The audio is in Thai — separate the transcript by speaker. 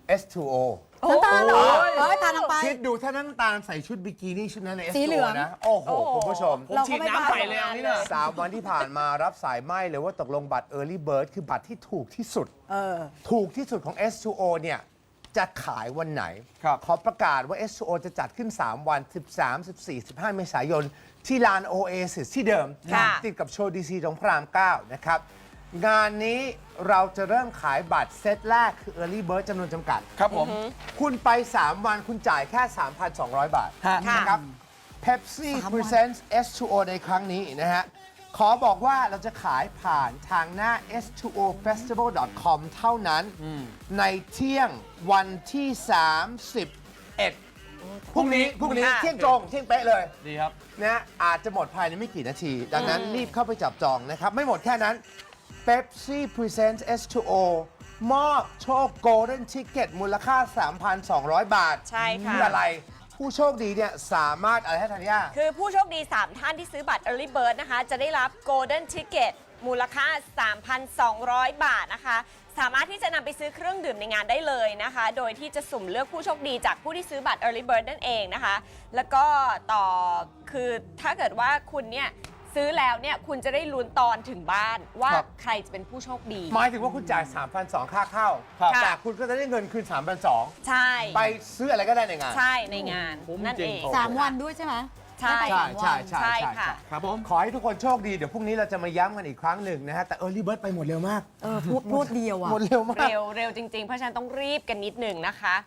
Speaker 1: S2O
Speaker 2: น้ำตาลเหรอทานลงไป
Speaker 1: คิดดูถ้าน้ำตาลใส่ชุดบิกินี่ชุดนั้นใน
Speaker 2: สีเหลื
Speaker 1: S2O
Speaker 2: อง
Speaker 1: นะ โอ้โห คุณผู้ชม
Speaker 3: ผมฉีดน้ำใส่เลยอันนี้เนี่ย
Speaker 1: 3 วันที่ผ่านมารับสายไหมเลยว่าตกลงบัตร Early Bird คือบัตรที่ถูกที่สุด ถูกที่สุดของ S2O เนี่ย จะขายวันไหน ขอประกาศว่า S2O จะจัดขึ้น 3 วัน 13 14 15 เมษายน ที่ลาน Oasis ที่เดิม ติดกับโชว์ดีซีตรงพระราม 9 นะครับ งานนี้เราจะเริ่มขายบัตรเซตแรกคือ Early Bird จำนวนจำกัด
Speaker 3: ครับผม
Speaker 1: คุณไป 3 วันคุณจ่ายแค่ 3,200 บาท
Speaker 3: ฮะ
Speaker 1: นะครับ Pepsi Presents S2O ในครั้งนี้นะฮะ ขอบอกว่าเราจะขายผ่านทางหน้า s2ofestival.com เท่านั้น ในเที่ยงวันที่ 31 พรุ่งนี้เที่ยงตรงเที่ยงเป๊ะเลย
Speaker 3: ดีครับ
Speaker 1: นะอาจจะหมดภายในไม่กี่นาที ดังนั้นรีบเข้าไปจับจองนะครับ ไม่หมดแค่นั้น Pepsi Presents S2O มอบโชค Golden Ticket มูลค่า 3,200 บาท
Speaker 4: ใช่ค่ะ
Speaker 1: คืออะไร ผู้โชคดีเนี่ยสามารถอะไรให้ธัญญา
Speaker 4: คือผู้โชคดี 3 ท่านที่ซื้อบัตร Early Bird นะคะ จะได้รับ Golden Ticket มูลค่า 3,200 บาทนะคะ สามารถที่จะนำไปซื้อเครื่องดื่มในงานได้เลยนะคะ โดยที่จะสุ่มเลือกผู้โชคดีจากผู้ที่ซื้อบัตร Early Bird นั่นเองนะคะ แล้วก็คือถ้าเกิดว่าคุณเนี่ยซื้อแล้วเนี่ยคุณจะได้ลุ้นตอนถึงบ้านว่า
Speaker 1: ครับ
Speaker 4: ใครจะเป็นผู้โชคดี
Speaker 1: หมายถึงว่าคุณจ่าย 3,200 ค่าเข้า
Speaker 4: ครับ
Speaker 1: แต่คุณก็จะได้เงินคืน 3,200
Speaker 4: ใช่
Speaker 1: ไปซื้ออะไรก็ได้ในงาน
Speaker 4: ใช่ในงาน
Speaker 3: คุ้ม
Speaker 4: นั่น
Speaker 3: จริ
Speaker 4: เอง ง
Speaker 2: 3 วันด้วยใช่ไหม
Speaker 4: ใช่
Speaker 2: ได้ไป
Speaker 1: ใช่
Speaker 2: 3 วัน
Speaker 1: ใช่
Speaker 4: ค่ะ
Speaker 3: ครับผม
Speaker 1: ขอให้ทุกคนโชคดี เดี๋ยวพรุ่งนี้เราจะมาย้ำกันอีกครั้งหนึ่งนะฮะ แต่ Early Bird ไปหมดเร็วมาก
Speaker 2: พูดเดียวอ่ะ
Speaker 1: หมดเร็วมาก
Speaker 4: เร็วจริงๆ เพราะฉะนั้นต้องรีบกันนิดหนึ่งนะคะ